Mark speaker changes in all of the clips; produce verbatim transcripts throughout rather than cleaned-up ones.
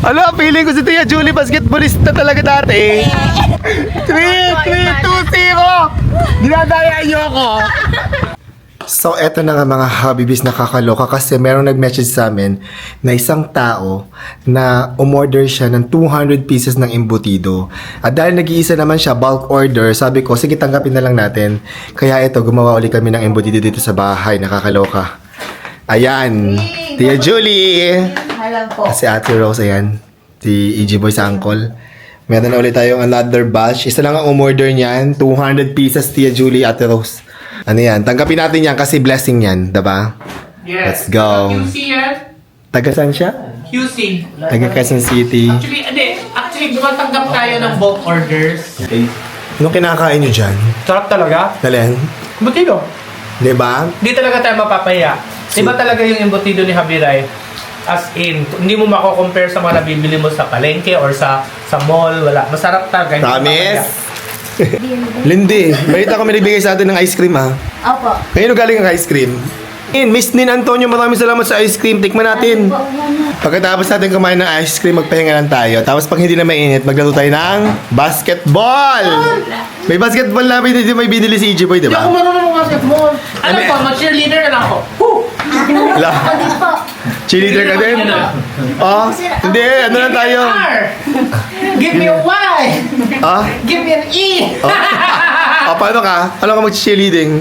Speaker 1: Ala, feeling ko si Tia Julie basketballista talaga dati. three, three, two, zero! Dinadaya niyo ako. So, eto na nga mga Habibis, nakakaloka kasi merong nag-message sa amin na isang tao na umorder siya ng two hundred pieces ng embutido. At dahil nag-iisa naman siya, bulk order, sabi ko, sige tanggapin na lang natin. Kaya ito, gumawa ulit kami ng embutido dito sa bahay, nakakaloka. Ayan, Tia Julie!
Speaker 2: Alam po.
Speaker 1: Si Ate Rose, ayan. Si E G Boy sa uncle. Meron na ulit tayong another batch. Isa lang ang umorder niyan, two hundred pieces, Tia Julie, Ate Rose. Ano yan? Tanggapin natin yan kasi blessing yan, diba?
Speaker 3: Yes.
Speaker 1: Let's go.
Speaker 3: Q C yan.
Speaker 1: Taga saan siya?
Speaker 3: Q C.
Speaker 1: Taga Quezon City.
Speaker 3: Actually, hindi. Actually, tumatanggap tayo ng bulk orders.
Speaker 1: Okay. Anong kinakain nyo dyan?
Speaker 3: Sarap talaga.
Speaker 1: Dalen?
Speaker 3: Embutido.
Speaker 1: Diba?
Speaker 3: Hindi talaga tayo mapapahiya. Iba talaga yung embutido ni Habiray. As in, hindi mo mako-compare sa mga nabibili mo sa palengke or sa sa mall. Wala. Masarap talaga. Hindi mapapahiya.
Speaker 1: Promise? Lindy, balita ko may nagbigay sa atin ng ice cream ha.
Speaker 2: Opo.
Speaker 1: Ngayon galing ang ice cream. In, Miss Nin Antonio, maraming salamat sa ice cream. Tikman natin. Pagkatapos natin kumain ng ice cream, magpahinga lang tayo. Tapos pag hindi na mainit, maglaro tayo ng basketball! May basketball na may, may binili si E J Boy, di
Speaker 3: Hindi ako
Speaker 1: ba?
Speaker 3: marunong ng basketball. Ano po, mag-cheerleader na lang ako. Woo!
Speaker 1: La, cheerleader ka din? Oh, hindi, ano lang tayo?
Speaker 3: R! Give me a Y!
Speaker 1: Ah?
Speaker 3: Give me an E!
Speaker 1: Oh, paano ka? Paano ka mag-cheerleading?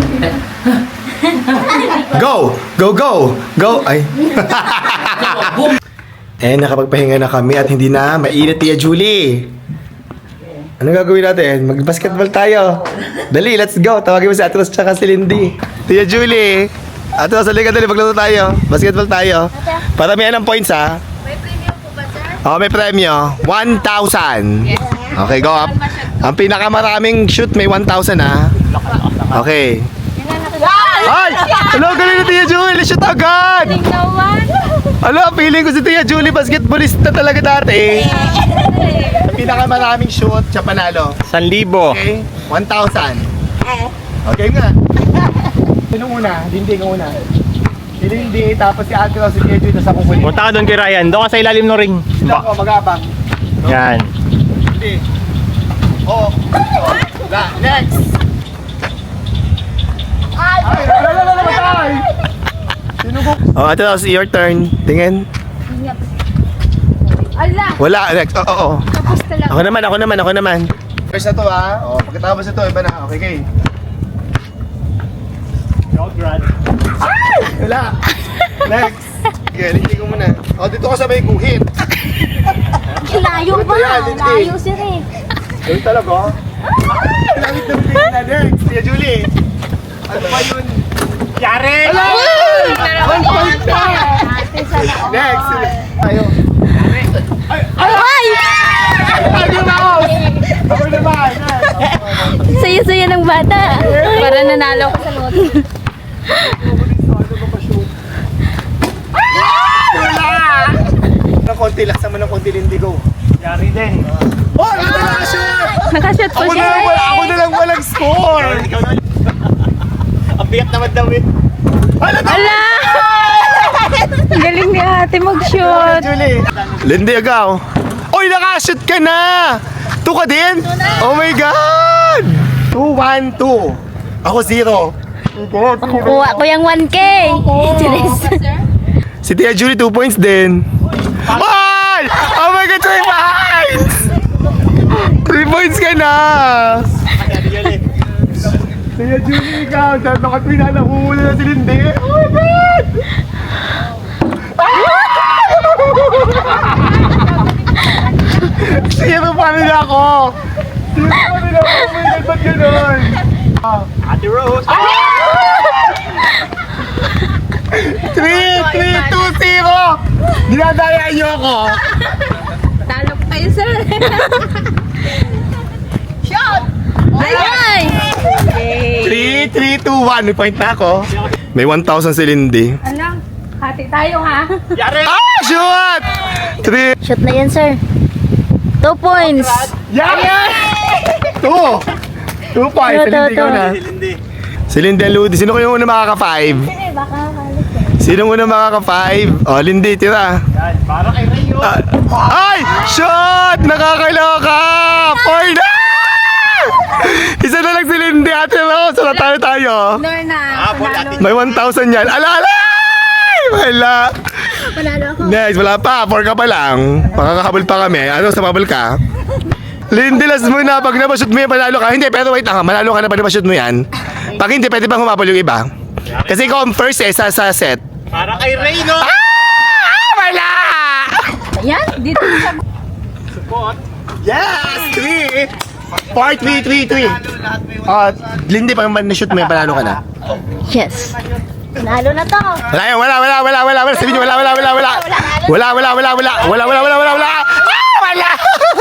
Speaker 1: Go! Go, go! Go! Ay.
Speaker 3: Boom!
Speaker 1: Eh, nakapagpahinga na kami at hindi na mainit, Tia Julie. Anong gagawin natin? Mag-basketball tayo. Dali, let's go. Tawagin mo si Atros tsaka si Lindy. Tia Julie. Atros, halika dali. Maglaro tayo. Basketball tayo. Para may anong points, ha?
Speaker 2: May premium po ba, sir?
Speaker 1: Oh, may premyo. one thousand. Okay, go up. Ang pinakamaraming shoot may one thousand, ha? Okay. Ay! Hello, galing na Tia Julie. Shoot agad!
Speaker 2: Naman.
Speaker 1: Ala, feeling ko si Tia Julie basketballista talaga dati. Ang pinakamaraming shoot, siya panalo.
Speaker 4: San libo.
Speaker 1: Okay? one thousand. Okay nga. Sino una? Lindy ka una. Si Lindy, tapos si Ate Rose, si Tia Julie, tapos ako huli.
Speaker 4: Punta ka doon kay Ryan. Doon ka sa ilalim ng ring.
Speaker 1: Sino ako, mag-abang.
Speaker 4: Yan.
Speaker 1: Lindy. Oh. Wala. Next. Ay, wala, wala, wala, matay. Sino ko? Oh, Ate Rose, your turn. Tingin.
Speaker 2: Ala.
Speaker 1: Wala, next. Oo, oo.
Speaker 2: Tapos talaga.
Speaker 1: Ako naman, ako naman, ako naman. First na to ha. O, pagkatapos ito, iba na. Okay, okay. Ay! Wala. Next. Okay, hindi ko muna. O, dito ka sabay guhit.
Speaker 2: Layo
Speaker 1: Ito
Speaker 2: pa.
Speaker 1: yan, hindi.
Speaker 2: Layo, sir eh.
Speaker 1: Ganun talaga. Ay! Langit na bigay na. Next. Tia Julie. Ano ba yun?
Speaker 3: Yari!
Speaker 1: Ala! One point na!
Speaker 2: Ate, sana all.
Speaker 1: Next. Tayo.
Speaker 2: Ay!
Speaker 1: Ay, yung mouse! Ako naman.
Speaker 2: Saya-saya ng bata. Para nanalo ko sa loto.
Speaker 1: Ng konti, laksa mo ng konti, Lindy, go.
Speaker 3: Yari din.
Speaker 1: Oh, ano na nakashoot?
Speaker 2: Nakashot po
Speaker 1: Ako na
Speaker 2: siya.
Speaker 1: lang, wala- ako na lang walang score.
Speaker 4: Ang biyak naman daw eh.
Speaker 1: Ala,
Speaker 2: Ala! Galing ni ate mag-shoot.
Speaker 1: Julie. Lindy, agaw. Oy, nakashoot ka na! Two ka din? Oh my God! Two, one, two. Ako zero.
Speaker 2: Kuha ko yung one K. Cheers.
Speaker 1: Si Tia Julie, two points din. Ay! Oh my God, three points! Three points ka na! Tia Julie, ikaw. Dahil nakatwi na nakuhuli na si Lindy. Oh my God! Zero pa rin ako! Zero pa rin ako! Oh my God, ba't ganun?
Speaker 4: Ate Rose.
Speaker 1: three, three, two, zero! Dinadaya niyo ako!
Speaker 2: Talo pa kayo, sir. Shot! Ay!
Speaker 1: three, three, two, one. May point na ako. May one thousand si Lindy.
Speaker 2: Alam, hati tayo ha.
Speaker 4: Yari!
Speaker 1: Ah! Shoot! three.
Speaker 2: Shot na yan, sir. Two points.
Speaker 1: Yes! Two! Two points. Si
Speaker 2: Two,
Speaker 1: Lindy
Speaker 2: two,
Speaker 1: ko na.
Speaker 4: Lindy.
Speaker 1: Si Lindy and Ludi. Sino ko yung una makaka-five?
Speaker 2: Eh, baka kalit.
Speaker 1: Sino una makaka-five? Oh, Lindy, tira.
Speaker 4: Yan. Para kay Ray
Speaker 1: Ah, ay! Shot! Nakakaloka! Four na! Isa na lang si Lindy, Ate Rose. Wala tayo tayo.
Speaker 2: Norna.
Speaker 4: Ah, po, ate.
Speaker 1: May one thousand yan. Ala, ala! Wala.
Speaker 2: Panalo ako.
Speaker 1: Next, wala pa. Four ka pa lang. Makakahabol pa kami. Ano, sa bubble ka? Lindy, last muna. Pag napashoot mo yan, panalo ka. Hindi, pero wait lang. Manalo ka na pag napashoot mo yan. Pag hindi, pwede bang humabol yung iba? Kasi ikaw ang first eh, sa, sa set.
Speaker 4: Para kay Ray, no?
Speaker 1: Ah! Wala!
Speaker 2: Yan, dito sa...
Speaker 4: Support.
Speaker 1: Yes! Three! Four, three, three, three. Ah, Lindy, pag na-shoot mo yan, panalo ka na.
Speaker 2: Yes. Panalo na to.
Speaker 1: Wala yan, wala, wala, wala, wala, wala. Sabihin niyo, wala, wala, wala, wala. Wala, wala, wala, wala. Wala, wala, wala, wala, wala. Ah, wala!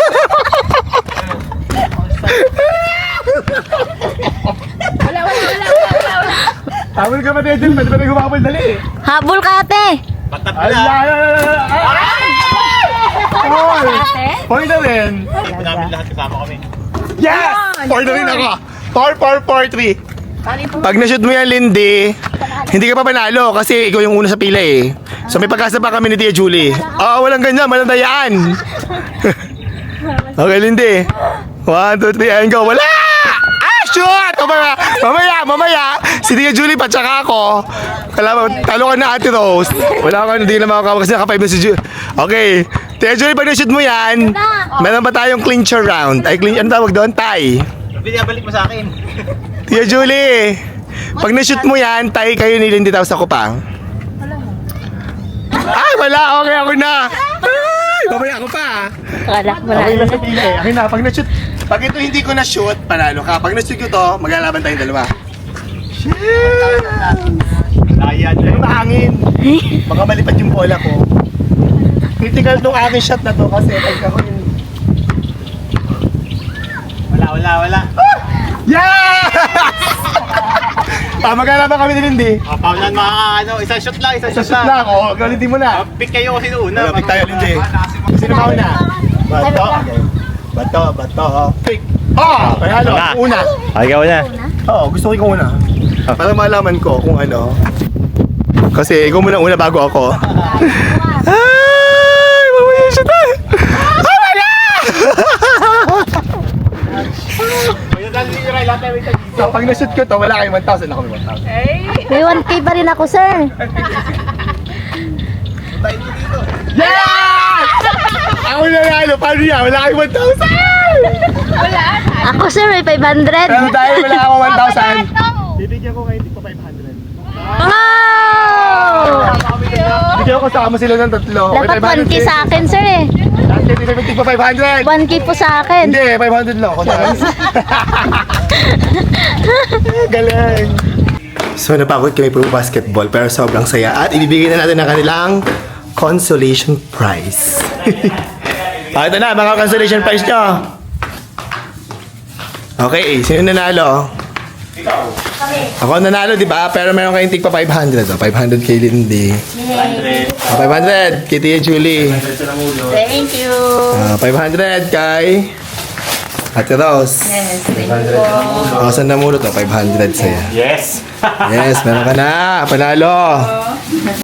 Speaker 2: Wala, wala, wala, wala, wala, wala.
Speaker 1: Habol ka ba, Dejan? Pwede ba na humabol? Dali.
Speaker 2: Habol ka, ate.
Speaker 4: Patab
Speaker 1: Ay,
Speaker 4: na.
Speaker 1: ay, ay, ay, ay. Four! Four na rin.
Speaker 4: Hindi namin lahat kasama kami.
Speaker 1: Yes! Four na rin ako. Four, four, four, three. Pag na-shoot mo yan, Lindy, hindi ka pa panalo kasi ikaw yung una sa pila eh. So may pagkasa pa kami ni Tia Julie. Oo, walang ganyan, walang dayaan. Okay, Lindy. One, two, three, and go. Wala! Ah, shoot! Mamaya, mamaya, mamaya. Si Tia Julie pa, tsaka ako. Kala mo, talo ka na, Ate Rose. Wala ka, hindi na makakawa kasi naka-five na si Julie. Okay. Tia Julie, pag na-shoot mo yan, meron pa tayong clincher round. Ay, clincher, ano tawag doon? Tie.
Speaker 4: Binabalik mo sa akin.
Speaker 1: Tia Julie, pag na-shoot mo yan, tayo kayo ni Lindy tapos ako pa. Ay, wala. Okay, ako na. Ay, babaya ako pa.
Speaker 2: Wala, wala.
Speaker 1: Okay na sa pila eh. Akin na, pag na-shoot. Pag ito hindi ko na-shoot, panalo ka. Pag na-shoot ko to, maglalaban tayong dalawa. Shit!
Speaker 4: Layan.
Speaker 1: Ano mahangin? Baka malipad yung bola ko. Critical tong aking shot na to kasi pag ako yung...
Speaker 4: Wala, wala, wala.
Speaker 1: Yes! Ah, maglalaban kami ni Lindy.
Speaker 4: Ah, paulan mga ano, isang shot lang, isang
Speaker 1: Sa
Speaker 4: shot
Speaker 1: shoot
Speaker 4: lang.
Speaker 1: lang, oh. Galitin mo na.
Speaker 4: Ah, pick kayo kasi noon na.
Speaker 1: Malapit tayo, Lindy. Sino ba una? Bato. Bato, bato. Pick. Oh! Panalo.
Speaker 4: Wala.
Speaker 1: Una.
Speaker 4: Ay, ikaw na.
Speaker 1: Oo, gusto ko ikaw una. Para malaman ko kung ano. Kasi ikaw muna una bago ako. Ay! Mamaya siya tayo! Ah, wala! So, pag na-shoot ko to, wala kayong one thousand. Ako may one thousand.
Speaker 2: May one K pa rin ako, sir.
Speaker 1: Yes! Ako nanalo. Paano yan? Wala kayong one thousand!
Speaker 2: Ako, sir, may five hundred.
Speaker 1: Pero dahil wala ako one thousand,
Speaker 4: Bibigyan ko kayo pa five hundred.
Speaker 2: Wow!
Speaker 1: bigyan ko kasama sila ng tatlo.
Speaker 2: Dapat one K sa akin, sir, eh.
Speaker 1: Dati seventy pa five hundred.
Speaker 2: one K po sa akin.
Speaker 1: Hindi, five hundred lang ako. Galing. So napagod kami po basketball pero sobrang saya at ibibigay na natin ang kanilang consolation prize. Ah, ito na mga consolation prize nyo. Okay, sino nanalo? Ikaw. Ako nanalo, di ba? Pero meron kayong tig pa five hundred. Oh. five hundred kay Lindy. Oh, five hundred kay Tia Julie.
Speaker 2: Thank you.
Speaker 1: Ah, five hundred kay Ate Rose.
Speaker 2: Yes, thank you.
Speaker 1: Oh, saan na muna to? five hundred sa'yo.
Speaker 4: Yes.
Speaker 1: Yes, meron ka na. Panalo.